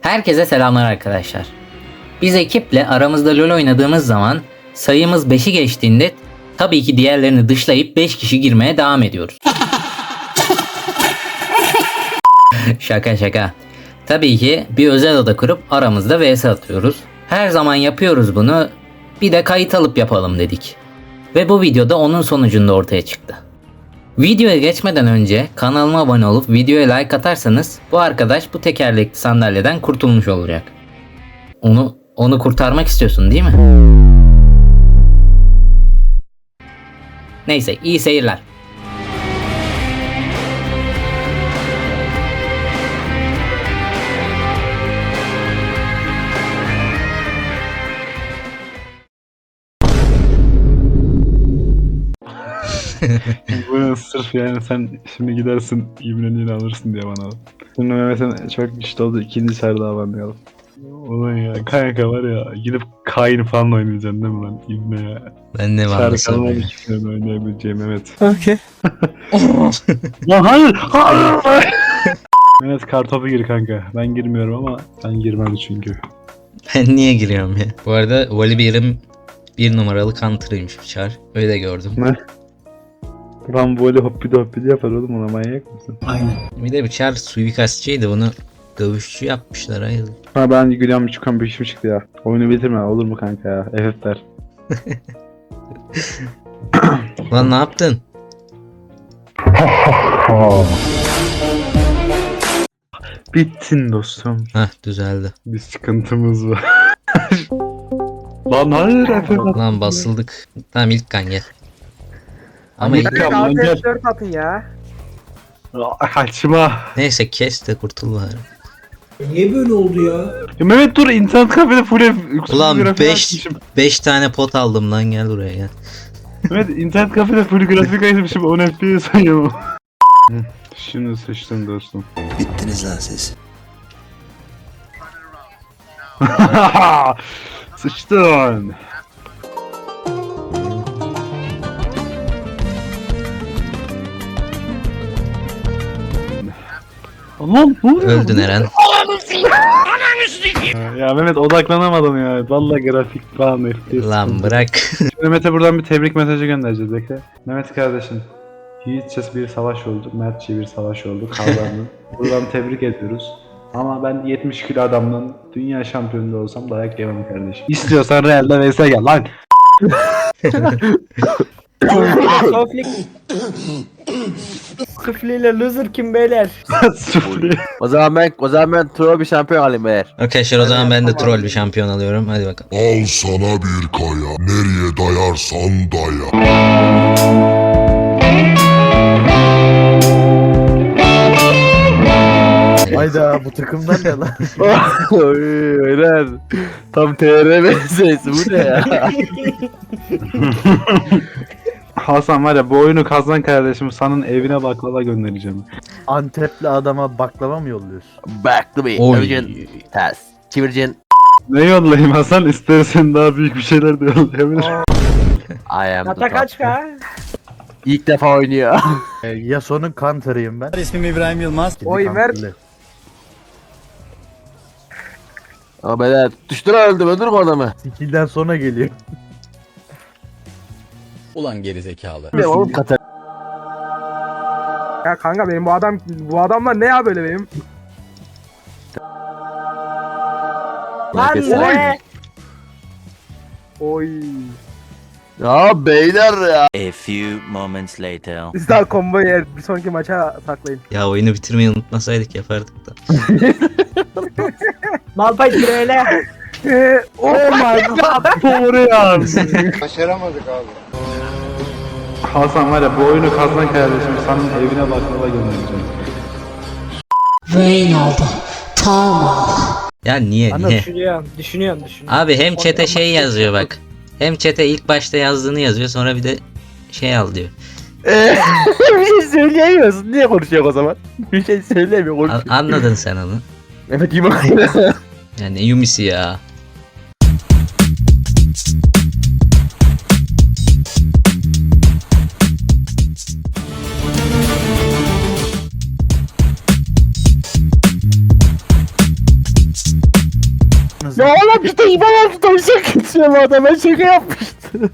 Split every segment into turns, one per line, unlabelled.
Herkese selamlar arkadaşlar. Biz ekiple aramızda LoL oynadığımız zaman sayımız 5'i geçtiğinde tabii ki diğerlerini dışlayıp 5 kişi girmeye devam ediyoruz. Şaka. Tabii ki bir özel oda kurup aramızda vs atıyoruz. Her zaman yapıyoruz bunu. Bir de kayıt alıp yapalım dedik. Ve bu videoda onun sonucunda ortaya çıktı. Videoya geçmeden önce kanalıma abone olup videoya like atarsanız bu arkadaş bu tekerlekli sandalyeden kurtulmuş olacak. Onu kurtarmak istiyorsun değil mi? Neyse, iyi seyirler.
Bu sırf yani sen şimdi gidersin İbneli'ni alırsın diye bana. Şimdi Mehmet'in çok güçlü oldu, ikinci çar daha banlayalım. Ulan ya kanka var ya gidip Kain falan oynayacaksın değil mi lan İbne ya?
Ben ne
Çar
varlırsam
kalmadı
ya.
ki senin oynayabileceğim Mehmet.
Okey.
Lan hayır! Mehmet kartopu gir kanka. Ben girmiyorum ama ben girmem çünkü.
Ben niye giriyorum ya? Bu arada Volibear'ım 1 numaralı counter'ıymış bir çar. Öyle gördüm.
Ne? Lan böyle hoppidi yapar oğlum, ona manyak mısın?
Bir de bir çar suikastçıydı, bunu dövüşçü yapmışlar hayır.
Ha ben gülüyorum, çıkan bir işim çıktı ya. Oyunu bitirme olur mu kanka ya? FF ver.
Lan ne yaptın?
Bittin dostum.
Hah, düzeldi.
Bir sıkıntımız var. Lan hayır FF.
Lan basıldık. Tamam, ilk kan gel. Ama
İlk kan lan gel.
4 atın ya.
Kaçma.
neyse, kes de kurtul bari.
Niye böyle oldu ya?
Ya Mehmet dur, internet kafede full
Ulan
grafik
5
açmışım.
5 tane pot aldım lan, gel buraya gel.
Mehmet internet kafede full grafik açmışım, 10 FPS sayıyorum. Şimdi sıçtım dostum.
Bittiniz lan siz.
Sıçtın. Allah'ım ne oluyor?
Öldün Eren.
Ya Mehmet odaklanamadım ya. Vallahi grafik falan FPS.
Lan bırak.
Şimdi Mehmet'e buradan bir tebrik mesajı göndereceğiz, bekle. Mehmet kardeşim, yiğitçe bir savaş oldu, mertçe bir savaş oldu, kazandın. Buradan tebrik ediyoruz. Ama ben 70 kilo adamdan dünya şampiyonu da olsam dayak yemem kardeşim. İstiyorsan Real'de vs gel lan.
Sufliyle loser kim beyler?
Sufle.
O zaman ben troll bir şampiyon alayım eğer.
Arkadaşlar, o zaman ben de troll bir şampiyon alıyorum. Hadi bakalım.
Al sana bir kaya, nereye dayarsan daya.
Hayda bu takımdan ne lan? Oy öyle. Tam TR meselesi bu ne ya?
Hasan var ya, bu oyunu kazan kardeşim, senin evine baklava göndereceğim.
Antepli adama baklava mı yolluyorsun?
Back to me.
Oy.
Çevireceksin. Ters. Çevireceksin.
Ne yollayayım Hasan, istersen daha büyük bir şeyler de yollayabilir.
I am the
Kata
top.
kaç ka?
İlk defa oynuyor.
Yasuo'nun counter'ıyım ben.
İsmim İbrahim Yılmaz.
Oy ver.
Ama beyler tutuşturan öldüm, öldürme adamı.
Skill'den sonra geliyor.
Ulan gerizekalı.
Ne oğlum Katar.
Ya kanka benim bu adamlar ne ya böyle benim? Lan
Herkes
ne? Oy.
Ya beyler ya.
A few moments later.
Biz daha combo yer. Bir sonraki maça saklayın.
Ya oyunu bitirmeyi unutmasaydık yapardık da.
Malpay öyle. Oh my god.
Doğru ya. Başaramadık abi. Hasan var ya, bu oyunu kazan kardeşim, senin evine baklava göndereceğim.
Reynolds, Tama.
Ya niye?
Düşünüyorum.
Abi hem chat'e şey yazıyor bak. Hem chat'e ilk başta yazdığını yazıyor, sonra bir de şey al diyor.
Bir şey söyleyemiyorsun. Niye konuşuyor o zaman? Bir şey söylemiyor. Konuşuyor.
Anladın sen onu.
Evet iyi bak.
Yani Yumisi ya.
babanızı.
Ya oğlum bir de İvan altı tavşan geçiyor bu adam. Ben şaka yapmıştım.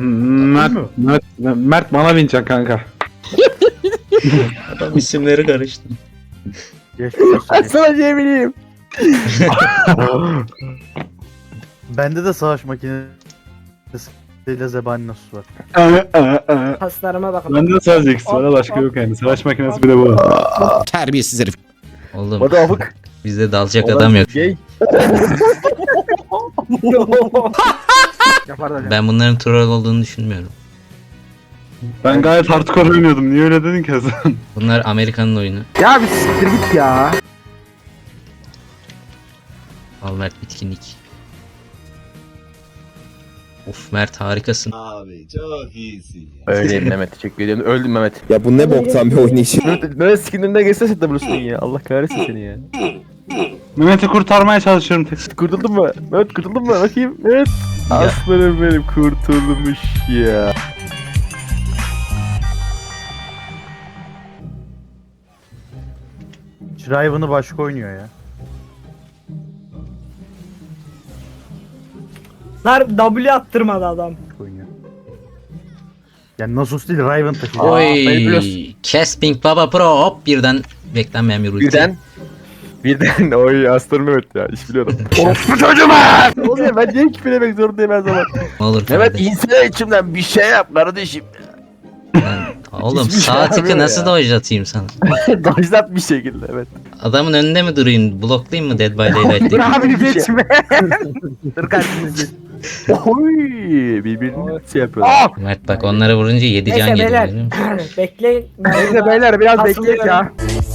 Mert bana binecek kanka.
Adam isimleri karıştı.
Geçmiş olsun.
Ben sana diyebileyim.
Bende de savaş makinesiyle zebani nasıl var.
Haslarıma bakın.
Bende sadece X var, başka yok yani. Savaş makinesi bile bu.
Terbiyesiz herif.
Oğlum
O da abuk.
bizde dalacak adam yok.
Gay.
Yapar da hocam.
Ben bunların troll olduğunu düşünmüyorum.
Ben gayet hardcore oynuyordum. Niye öyle dedin ki sen?
Bunlar Amerikan'ın oyunu.
Ya bir siktir git ya.
Al Mert bitkinlik. Of Mert harikasın.
Öyleyim Mehmet, teşekkür ediyorum. Öldüm Mehmet.
Ya bu ne boktan bir oynayış.
Mehmet skininde geçse sen de bulursun ya. Allah kahretsin seni ya.
Mehmet'i kurtarmaya çalışıyorum tek.
Kurtuldun mu? Mehmet kurtuldun mu? Bakayım. Evet. Aslanım benim kurtulmuş ya.
Riven'ı başka oynuyor ya.
Lan W attırmadı adam.
Oynuyor. Yani Nasus değil Riven taşıyor.
Oy, Casping Baba Pro hop birden beklenmeyen bir ulti.
Birden oy aslanım Mehmet ya. İş biliyorum. Orospu çocuğum ha! Ne oluyor? Ben niye küfür demek zorundayım her zaman?
Ne olur
Mehmet
kardeş.
insene içimden bir şey yap kardeşim.
Oğlum
hiçbir şey
sağ tıkı
yapmıyor
nasıl
ya.
dojlatayım sana?
Dajlat bir şekilde evet.
Adamın önünde mi durayım? Bloklayayım mı Dead by Daylight'taki?
Dur abi
Bir şey.
geçme. Dur kardeşim.
Oy birbirini şey yapıyorlar.
Mert bak onlara vurunca 7 can
Neyse
geliyor.
beyler.
görüyor musun?
Bekleyin. Neyse beyler biraz bekleyin ya.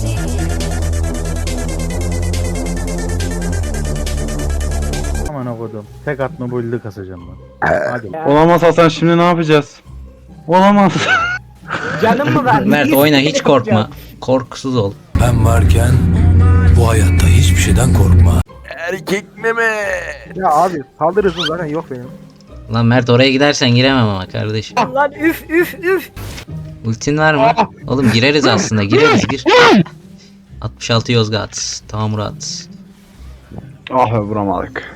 Aman okudum. Tek atma build'i kasacağım ben. Hadi.
Olamaz Hasan, şimdi ne yapacağız? Olamaz.
Canım mı var?
Mert oyna hiç korkma. Korkusuz ol.
Ben varken bu hayatta hiçbir şeyden korkma.
Erkek meme.
Ya abi saldırı hızım zaten yok benim.
Lan Mert oraya gidersen giremem ama kardeşim.
Lan üf üf üf.
Ultin var mı? Oğlum gireriz aslında gireriz gir. 66 Yozgat. Tamam Murat.
Ah be, vuramadık.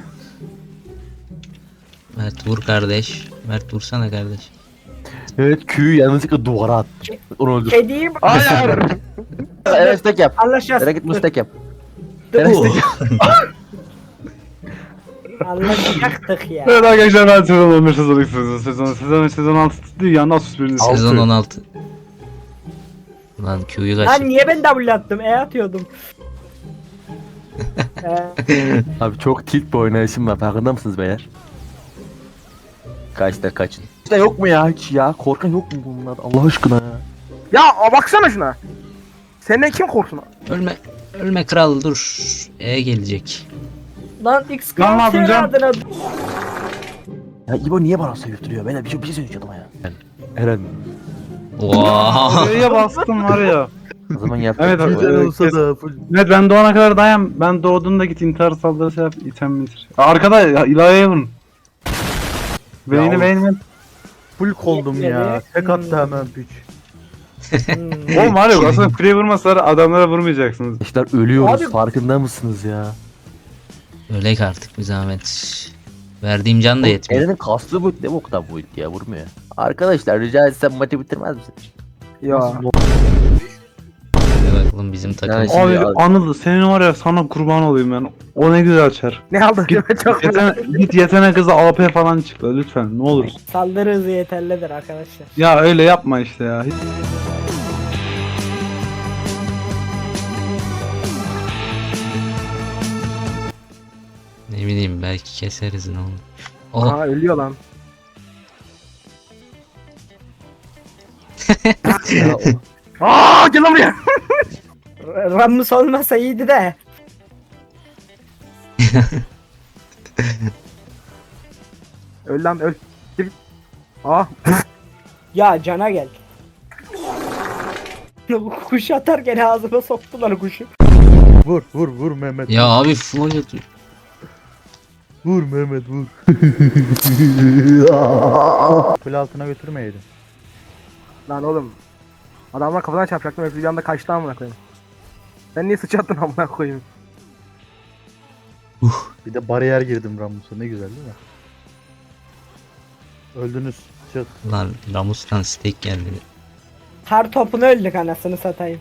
Mert vur kardeş. Mert vursana kardeş.
Evet Q'yu yanlışlıkla duvara attı. Onu öldür.
Kediyim.
Hayır. Enes tek yap.
Anlaşacağız.
Nereye git mustek yap.
Dur.
Enes tek yap.
Anlaşacaktık ya.
Evet arkadaşlar, ben sezon 11 sezon 6 değil ya, Nasus birinci.
Sezon 16. Lan Q'yu kaç.
Lan niye ben W attım? Atıyordum.
Abi çok tilt bir oynayışım var. Farkında mısınız beyler? Kaçta kaçın. İşte yok mu ya hiç ya? Korkan yok mu bunlar? Allah aşkına ya.
Ya baksana şuna. Senden kim korksun?
Ölme. Ölme kral dur. Gelecek.
Lan X
Lan ne yapayım canım?
adına.
Ya İbo niye bana sövdürüyor? Ben de bir şey söyleyeceğim ama ya. Eren.
Wow.
Nereye bastım var ya.
O zaman yap.
Evet, abi.
Güzel olsa da full.
Evet, ben doğana kadar dayan. Ben doğduğunda git intihar saldırısı yap. İtem bitir. Arkada ya, ilahiyeye vurun. Beyni.
Full koldum ya. Tek attı hemen piç.
Oğlum var yok, aslında free vurmasalar adamlara vurmayacaksınız.
Arkadaşlar ölüyoruz.
Abi-
Farkında mısınız ya?
Ölek artık bir zahmet. Verdiğim can da yetmiyor.
Eren'in kaslı bu ne bu kadar bu ya vurmuyor. Arkadaşlar rica etsem maçı bitirmez misin?
Ya.
Hadi bakalım bizim takım.
Yani- Şimdi
Abi
al-
Anıl, senin var ya, sana kurban olayım ben. O ne güzel çar.
Ne aldın? Çok
Git yetenek kızı AP falan çıktı lütfen, ne olur.
Saldırı hızı yeterlidir arkadaşlar.
Ya öyle yapma işte ya.
Ne bileyim belki keseriz ne olur. Oh
Aa ölüyor lan. Aa gel lan buraya. Rammus olmasa iyiydi de. Öl lan öl. Gir. Aa. Ya cana gel. Kuş atarken ağzıma soktular kuşu.
Vur Mehmet.
ya abi flow atıyor.
Vur Mehmet vur. Kule altına götürmeyeydin.
Lan oğlum. Adamlar kafadan çarpacaktım. Hepsi bir anda kaçtı amına koyayım. Sen niye sıçrattın amına koyayım?
Bir de bariyer girdim Ramus'a, ne güzel değil mi? Öldünüz. Çık.
Lan Ramus'tan steak geldi.
Her topunu öldük anasını satayım.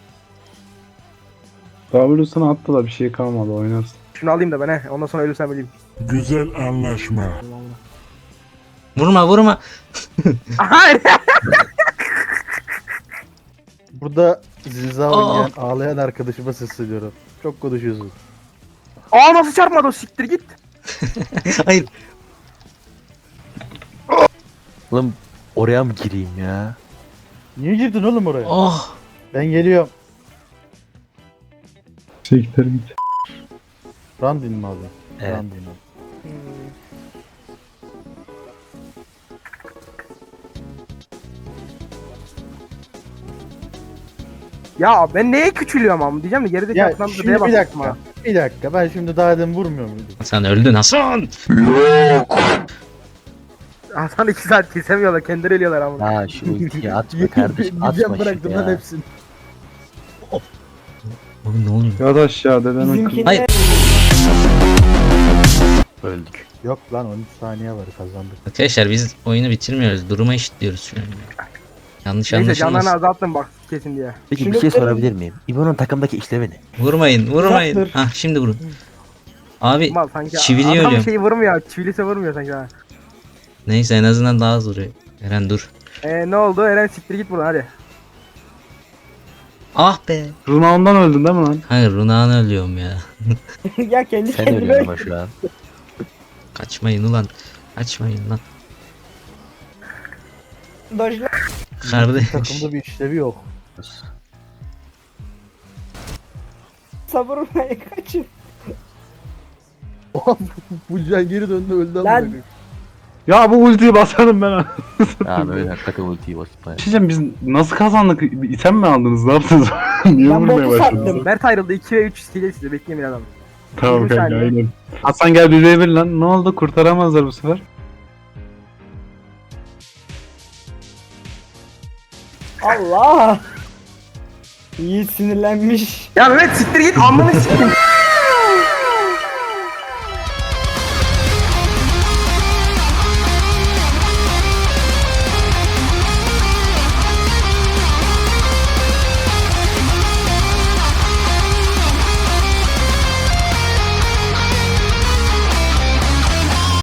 W'sunu attı da bir şey kalmadı oynarsın.
Şunu alayım da ben he. Ondan sonra ölürsem öleyim.
Güzel anlaşma.
Vurma.
Hayır.
Burada Zilza oynayan ağlayan arkadaşıma sesleniyorum. Çok konuşuyorsun.
Aa nasıl çarpmadı o, siktir git.
Hayır.
Oğlum oraya mı gireyim ya?
Niye girdin oğlum oraya?
Oh.
Ben geliyorum.
Siktir git.
Randin mi abi?
Evet.
Randin abi.
Ya ben neye küçülüyorum ama diyeceğim de gerideki
Ya
atlan
şimdi bir dakika. Bir dakika, ben şimdi daha demin vurmuyor muydum?
Sen öldün Hasan.
Hasan 2 saat kesemiyorlar, kendileri ölüyorlar ama.
Ha şu ultiyi atma kardeşim,
Yiyeceğim,
atma
bıraktım
şunu
lan
ya.
hepsini.
Oğlum ne oluyor?
Yavaş ya deden
Bizimki
Hayır.
Öldük.
Yok lan 13 saniye var, kazandık.
Arkadaşlar biz oyunu bitirmiyoruz. Duruma eşitliyoruz şu an. Yanlış
Neyse canlarını
anlaşılmasın.
azalttım bak kesin diye.
Peki bir şey sorabilir miyim? İbo'nun takımdaki işlevi ne?
Vurmayın.
Uzaktır.
Hah şimdi vurun. Abi
Mal sanki
çiviliyor
adam
ölüyorum.
şeyi vurmuyor, çivilise vurmuyor sanki ha.
Neyse en azından daha az vuruyor. Eren dur.
Ne oldu? Eren siktir git buradan hadi.
Ah be.
Runağından öldün değil mi lan?
Hayır Runağ'ını ölüyorum ya.
Ya kendi
Sen
kendine
ölüyorsun ama şu an.
Kaçmayın ulan. Kaçmayın lan.
dojla.
Kardeş.
Takımda bir işlevi yok.
Savurmaya kaçın.
Bu can geri döndü, öldü ama.
Lan.
Ya bu ultiyi basarım ben.
Ya böyle hakikaten ultiyi basıp ya.
Şişem biz nasıl kazandık? İtem mi aldınız? Ne yaptınız? Niye
Ben
vurmaya
botu
başladınız?
sattım. Mert ayrıldı 2 ve 3 size size bekleyin adam.
Tamam
20
kanka
saniye.
aynen. Hasan gel bir bir lan. Ne oldu? Kurtaramazlar bu sefer.
Allah! İyi sinirlenmiş. Ya Mehmet siktir git amını siktir.